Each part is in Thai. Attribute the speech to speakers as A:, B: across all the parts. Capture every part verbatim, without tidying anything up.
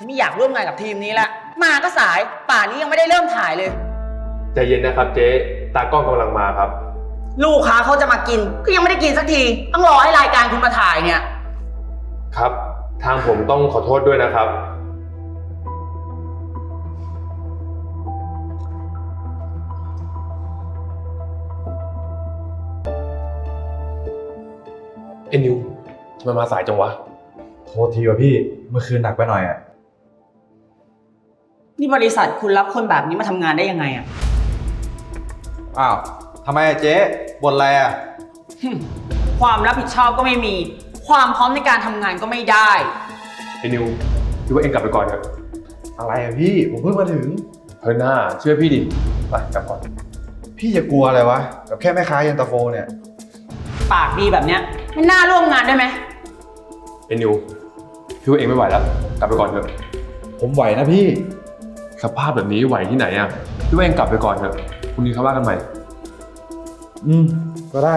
A: ฉันไม่อยากร่วมงานกับทีมนี้ละมาก็สายป่านนี้ยังไม่ได้เริ่มถ่ายเลย
B: ใจเย็นนะครับเจ๊ตากล้องกำลังมาครับ
A: ลูกค้าเขาจะมากินก็ยังไม่ได้กินสักทีต้องรอให้รายการคุณมาถ่ายเนี่ย
B: ครับทางผมต้องขอโทษด้วยนะครับเอ็นยูทำไมมาสายจังวะ
C: โทษทีว่ะพี่เมื่อคืนหนักไปหน่อยอ่ะ
A: นี่บริษัทคุณรับคนแบบนี้มาทำงานได้ยังไงอ่ะ
C: อ้าวทำไมเจ๊บ่นอะไรอ่ะ
A: ความรับผิดชอบก็ไม่มีความพร้อมในการทำงานก็ไม่ได้
B: เอ็นยูคิดว่าเองกลับไปก่อนเถอะ
C: อะไรอ่ะพี่ผมเพิ่งมาถึง
B: เฮ้ยหน้าเชื่อพี่ดิไปกลับก่อน
C: พี่จะกลัวอะไรวะกับแค่แม่ค้าเย็นตาโฟเนี่ย
A: ปากดีแบบเนี้ยไม่น่าร่วมงานได้ไหม
B: เอ็นยูพี่ว่าเองไม่ไหวแล้วกลับไปก่อนเถอะ
C: ผมไหวนะพี่
B: สภาพแบบนี้ไหวที่ไหนอ่ะพี่ว่าเองกลับไปก่อนเถอะพรุ่งนี้เขาว่ากันใหม่
C: อืมก็ได้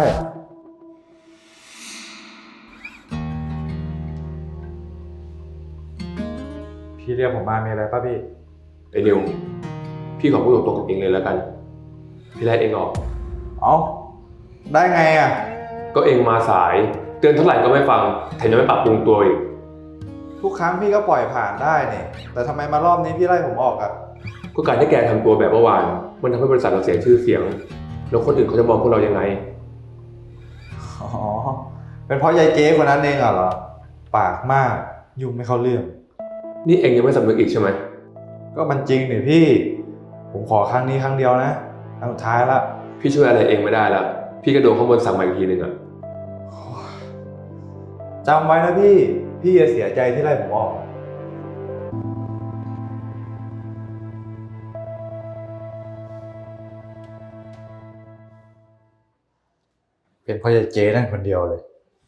C: พี่เรียกผมมามีอะไรป่ะพี่
B: ไอ้นิวพี่ขอพูดตรงๆกับเองเลยแล้วกันพี่ไล่เองออก
C: เอ้าได้ไงอ่ะ
B: ก็เองมาสายเตือนเท่าไหร่ก็ไม่ฟังแถมยังไม่ปรับปรุงตัวอีก
C: ทุกครั้งพี่ก็ปล่อยผ่านได้เนี่ยแต่ทำไมมารอบนี้พี่ไล่ผมออกอ่ะ
B: ก็การที่แกทำตัวแบบเมื่อวานมันทำให้บริษัทเราเสียชื่อเสียงแล้วคนอื่นเขาจะมองพวกเรายังไง
C: อ๋อเป็นเพราะยายเจ๊คนนั้นเองเหรอปากมากยุ่งไม่เข้าเรื่อง
B: นี่เองยังไม่สำนึกอีกใช่ไหม
C: ก็มันจริงนี่พี่ผมขอครั้งนี้ครั้งเดียวนะครั้งสุดท้ายละ
B: พี่ช่วยอะไรเองไม่ได้แล้วพี่ก็โดนข้างบนสั่งมาอีกทีหนึ่งอะ
C: จำไว้นะพี่พี่จะเสียใจที่ไล่ผมออกเป็นเพราะยายเจ๊นั่นคนเดียวเลย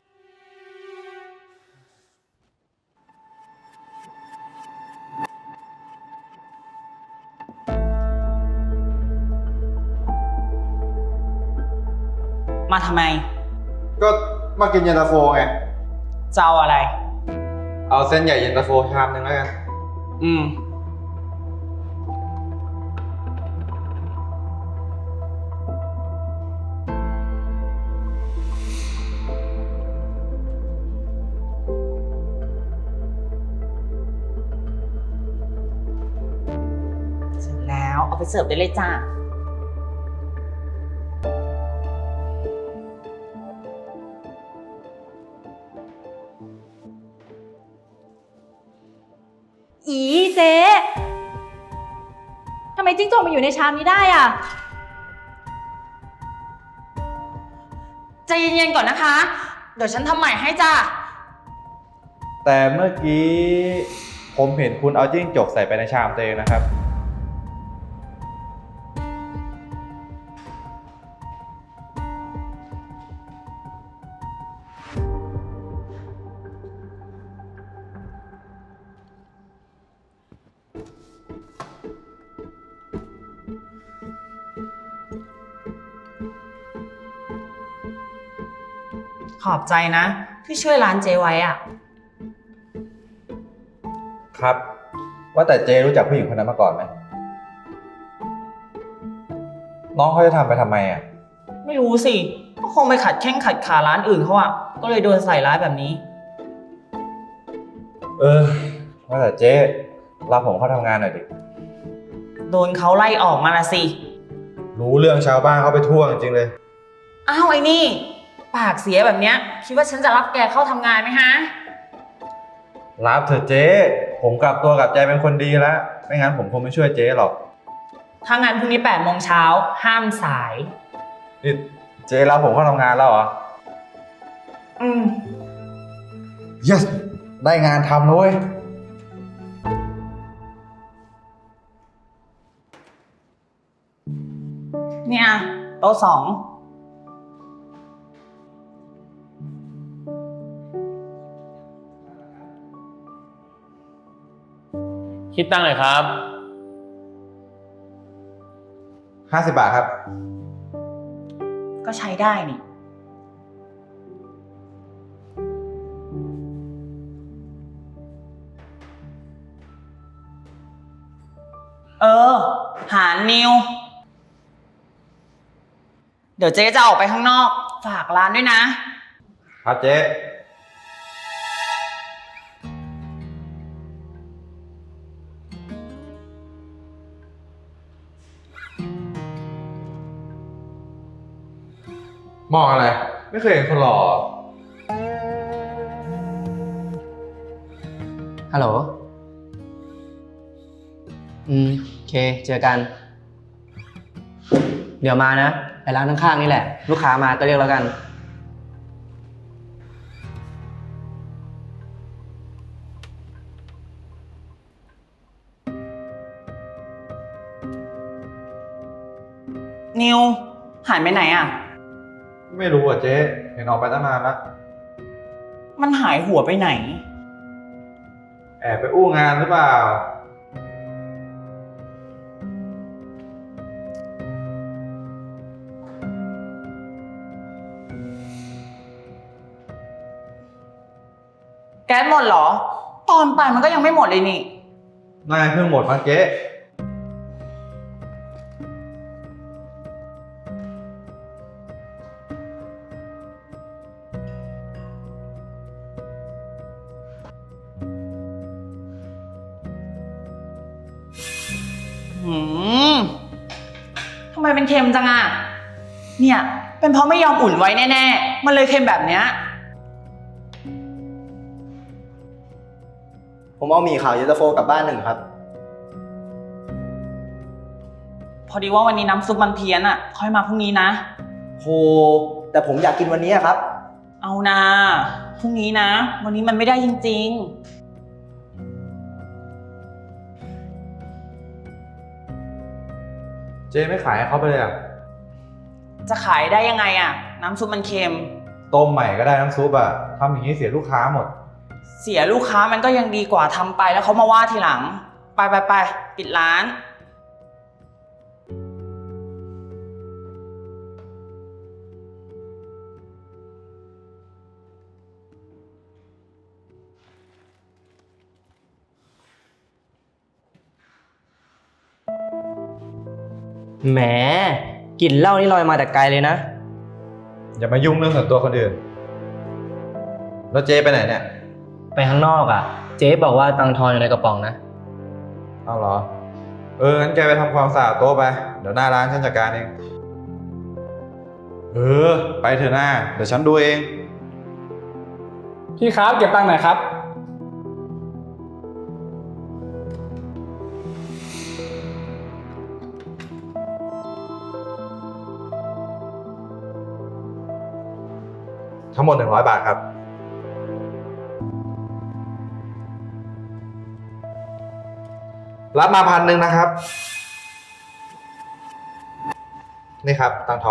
A: มาทำไม
C: ก็มากินเย็นตาโฟไง
A: จะเอาอะไร
C: เอาเส้นใหญ่เย็นตาโฟชามนึงแล้วกัน
A: อืมเสร็จแล้วเอาไปเสิร์ฟได้เลยจ้า
D: อีเจ๊ทำไมจิ้งจกมาอยู่ในชามนี้ได้อ่ะ
A: ใจเย็นๆก่อนนะคะเดี๋ยวฉันทำใหม่ให้จ้า
C: แต่เมื่อกี้ผมเห็นคุณเอาจิ้งจกใส่ไปในชามตัวเองนะครับ
A: ขอบใจนะที่ช่วยร้านเจไว้อ่ะ
C: ครับว่าแต่เจรู้จักผู้หญิงคนนั้นมาก่อนไหมน้องเขาจะทำไปทำไมอ่ะ
A: ไม่รู้สิก็คงไปขัดแข้งขัดขาร้านอื่นเขาอ่ะก็เลยโดนใส่ร้ายแบบนี้
C: เออว่าแต่เจ๊รับผมเข้าทำงานหน่อยดิ
A: โดนเขาไล่ออกมาละสิ
C: รู้เรื่องชาวบ้านเขาไปทั่วจริงๆเลย
A: อ้าวไอ้นี่ปากเสียแบบเนี้ยคิดว่าฉันจะรับแกเข้าทำงานไหมฮะ
C: รับเถอะเจ๊ผมกลับตัวกลับใจเป็นคนดีแล้วไม่งั้นผมคงไม่ช่วยเจ๊หรอก
A: ถ้างั้นพรุ่งนี้แปดโมงเช้าห้ามสาย
C: นี่เจ๊รับผมเข้าทำงานแล้วเหรอ
A: อืม
C: yes ได้งานทำแล้วเว้ย
A: เนี่ยโต๊ะสอง
B: คิดตั้งเลยครับ
C: ห้าสิบบาทครับ
A: ก็ใช้ได้นี่เออ หานิว เดี๋ยวเจ๊จะออกไปข้างนอก ฝากร้านด้วยนะ
C: ครับเจ๊ มองอะไร ไม่เคยเห็นคนหล่อ
E: ฮัลโหล อืม โอเค เจอกัน เดี๋ยวมานะ ไปร้านข้างๆนี่แหละ ลูกค้ามาก็เรียกแล้วกัน
A: นิว หายไปไหนอ่ะ
C: ไม่รู้อ่ะเจ๊ เห็นออกไปตั้งนานแล้ว
A: มันหายหัวไปไหน
C: แอบไปอู้งานหรือเปล่า
A: แก๊สหมดเหรอ ตอนไปมันก็ยังไม่หมดเลยนี่
C: นายเพิ่งหมดมาเจ๊
A: หืมทำไมเป็นเค็มจังอ่ะ เนี่ย เป็นเพราะไม่ยอมอุ่นไว้แน่ๆ มันเลยเค็มแบบเนี้ย
F: ผมเอาหมี่ขาวเย็นตาโฟกลับบ้านหนึ่งครับ
A: พอดีว่าวันนี้น้ำซุปมันเพี้ยนอ่ะ ค่อยมาพรุ่งนี้นะ
F: โห แต่ผมอยากกินวันนี้ครับ
A: เอานะพรุ่งนี้นะ วันนี้มันไม่ได้จริง
C: เจ๊ไม่ขายให้เขาไปเลยอ่ะ
A: ๆ จะขายได้ยังไงอ่ะ น้ำซุปมันเค็ม
C: ต้มใหม่ก็ได้น้ำซุปอ่ะทำอย่างนี้เสียลูกค้าหมด
A: เสียลูกค้ามันก็ยังดีกว่าทำไปแล้วเขามาว่าทีหลัง ไปไปไปปิดร้าน
E: แหมกลิ่นเหล้านี่ลอยมาแต่ไกลเลยนะ
C: อย่ามายุ่งเรื่องส่วนตัวคนอื่น แล้วเจ๊ไปไหนเนี่ย
E: ไปข้างนอกอ่ะ เจ๊บอกว่าตังค์ทอนอยู่ในกระป๋องนะ
C: เอาเหรอ เออ งั้นแกไปทำความสะอาดโต๊ะไป เดี๋ยวหน้าร้านฉันจัดการเอง เออ ไปเถอะหน้า เดี๋ยวฉันดูเอง
G: พี่ครับเก็บตังค์หน่อยครับ
C: ทั้งหมดหนึ่งร้อยบาทครับ รับมาพันหนึ่งนะครับ นี่ครับตังค์ทอน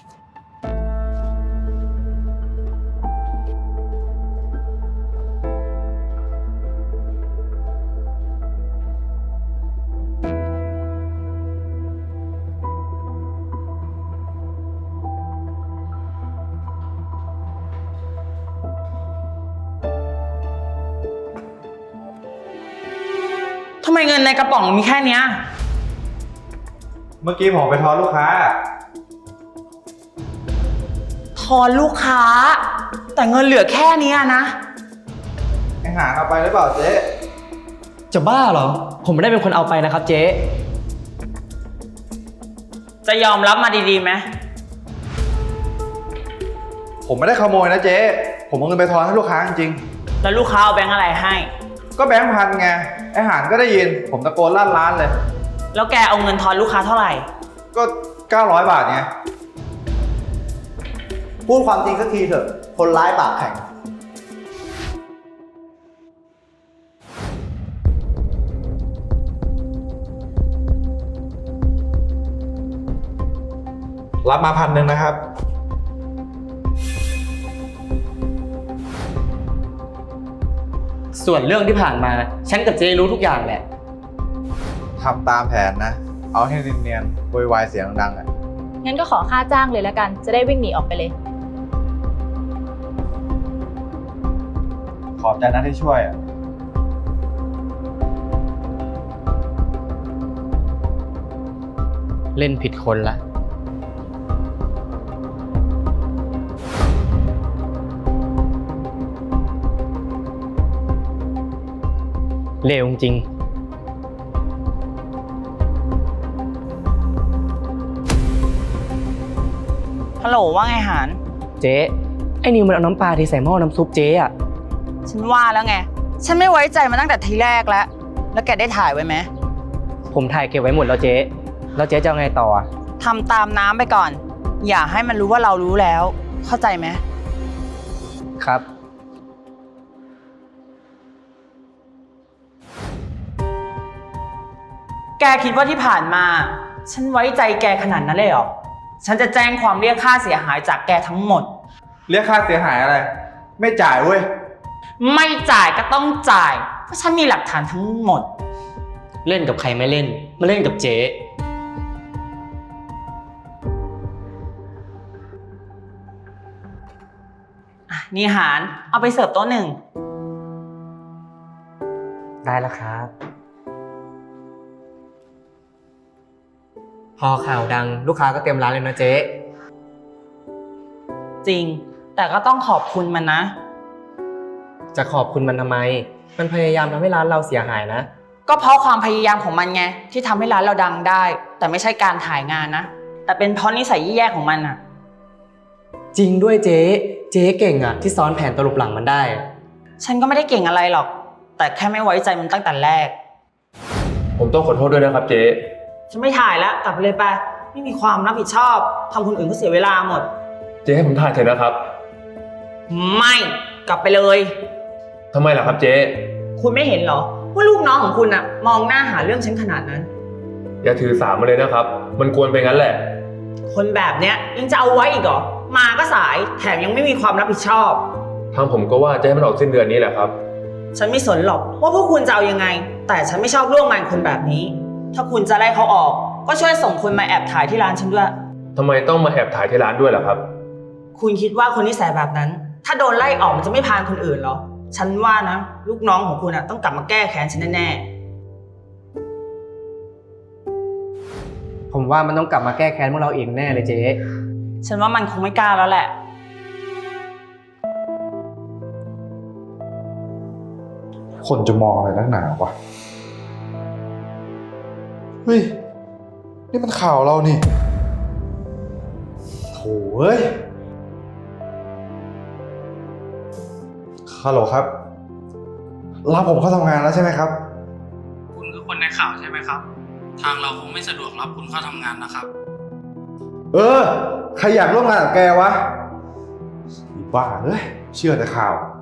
A: ทำไมเงินในกระป๋องมีแค่เนี้ย
C: เมื่อกี้ผมไปทอนลูกค้า
A: ทอนลูกค้า แต่เงินเหลือแค่เนี้ยนะ
C: ไอ้หางเอาไปหรือเปล่าเจ๊
E: จะบ้าเหรอ ผมไม่ได้เป็นคนเอาไปนะครับเจ๊
A: จะยอมรับมาดีๆไหม
C: ผมไม่ได้ขโมยนะเจ๊ ผมเอาเงินไปทอนให้ลูกค้าจริง
A: แล้วลูกค้าเอาแบงค์อะไรให้
C: ๆก็แบงค์พันไง ไอ้หางก็ได้ยิน ผมตะโกนลั่นร้านเลย
A: แล้วแกเอาเงินทอนลูกค้าเท่าไหร่
C: ก็เก้าร้อยบาทไง
F: พูดความจริงสักทีเถอะ คนร้ายปากแข็ง
C: รับมาพันหนึ่งนะครับ
E: ส่วนเรื่องที่ผ่านมา ฉันกับเจ๊รู้ทุกอย่างแหละ
C: ทำตามแผนนะ เอาให้เนียนๆโวยวายเสียงดังๆอ่ะ
D: งั้นก็ขอค่าจ้างเลยแล้วกัน จะได้วิ่งหนีออกไปเลย
C: ขอบใจนะที่ช่วยอ่ะ
E: เล่นผิดคนละ เลวจริง
A: ฮัลโหลว่าไงหาน
E: เจ๊ ไอ้นิวมันเอาน้ำปลาที่ใส่หม้อน้ำซุปเจ๊อะ
A: ฉันว่าแล้วไง ฉันไม่ไว้ใจมาตั้งแต่ทีแรกแล้ว แล้วแกได้ถ่ายไว้ไหม
E: ผมถ่ายเก็บไว้หมดแล้วเจ๊ แล้วเจ๊จะเอาไงต่ออะ
A: ทำตามน้ำไปก่อน อย่าให้มันรู้ว่าเรารู้แล้ว เข้าใจไหม
E: ครับ
A: แกคิดว่าที่ผ่านมา ฉันไว้ใจแกขนาดนั้นเลยเหรอ ฉันจะแจ้งความเรียกค่าเสียหายจากแกทั้งหมด
C: เรียกค่าเสียหายอะไร ไม่จ่ายเว้ย
A: ไม่จ่ายก็ต้องจ่าย เพราะฉันมีหลักฐานทั้งหมด
E: เล่นกับใครไม่เล่น มาเล่นกับเจ๊
A: อ่ะนี่หารเอาไปเสิร์ฟโต๊ะหนึ่ง
E: ได้แล้วครับ พอข่าวดังลูกค้าก็เต็มร้านเลยนะเจ๊
A: จริง แต่ก็ต้องขอบคุณมันนะ
E: จะขอบคุณมันทำไม มันพยายามทำให้ร้านเราเสียหายนะ
A: ก็เพราะความพยายามของมันไงที่ทำให้ร้านเราดังได้ แต่ไม่ใช่การถ่ายงานนะ แต่เป็นเพราะนิสัยแย่ๆของมันอะ
E: จริงด้วยเจ๊ เจ๊เก่งอะที่ซ้อนแผนตลบหลังมันได้
A: ฉันก็ไม่ได้เก่งอะไรหรอก แต่แค่ไม่ไว้ใจมันตั้งแต่แรก
B: ผมต้องขอโทษด้วยนะครับเจ๊
A: ฉันไม่ถ่ายแล้วกลับไปเลยไปไม่มีความรับผิดชอบทำคนอื่นก็เสียเวลาหมด
B: เจ๊ให้ผมถ่ายเถอะนะครับ
A: ไม่กลับไปเลย
B: ทำไมล่ะครับเจ๊
A: คุณไม่เห็นเหรอว่าลูกน้องของคุณอะมองหน้าหาเรื่องฉันขนาดนั้น
B: อย่าถือสามาเลยนะครับ มันกวนไปงั้นแหละ
A: คนแบบเนี้ยยังจะเอาไว้อีกเหรอมาก็สายแถมยังไม่มีความรับผิดชอบ
B: ทางผมก็ว่าจะให้มันออกสิ้นเดือนนี้แหละครับ
A: ฉันไม่สนหรอกว่าพวกคุณจะเอายังไง แต่ฉันไม่ชอบร่วมงานคนแบบนี้ ถ้าคุณจะไล่เขาออก ก็ช่วยส่งคนมาแอบถ่ายที่ร้านฉันด้วย
B: ทำไมต้องมาแอบถ่ายที่ร้านด้วยล่ะครับ
A: คุณคิดว่าคนนิสัยแบบนั้น ถ้าโดนไล่ออกมันจะไม่พานคนอื่นเหรอ ฉันว่านะ ลูกน้องของคุณอะต้องกลับมาแก้แค้นฉันแน่
E: ผมว่ามันต้องกลับมาแก้แค้นพวกเราเองแน่เลยเจ๊
A: ๆฉันว่ามันคงไม่กล้าแล้วแหละ
C: คนจะมองอะไรนักหนาวะ เฮ้ย นี่มันข่าวเรานี่โถ่เอ้ยฮัลโหลครับ รับผมเข้าทำงานแล้วใช่ไหมครับ
G: คุณคือคนในข่าวใช่ไหมครับ ทางเราคงไม่สะดวกรับคุณเข้าทำงานนะครับ
C: เออ ใครอยากร่วมงานกับแกวะอีบ้าเอ้ย เชื่อแต่ข่าว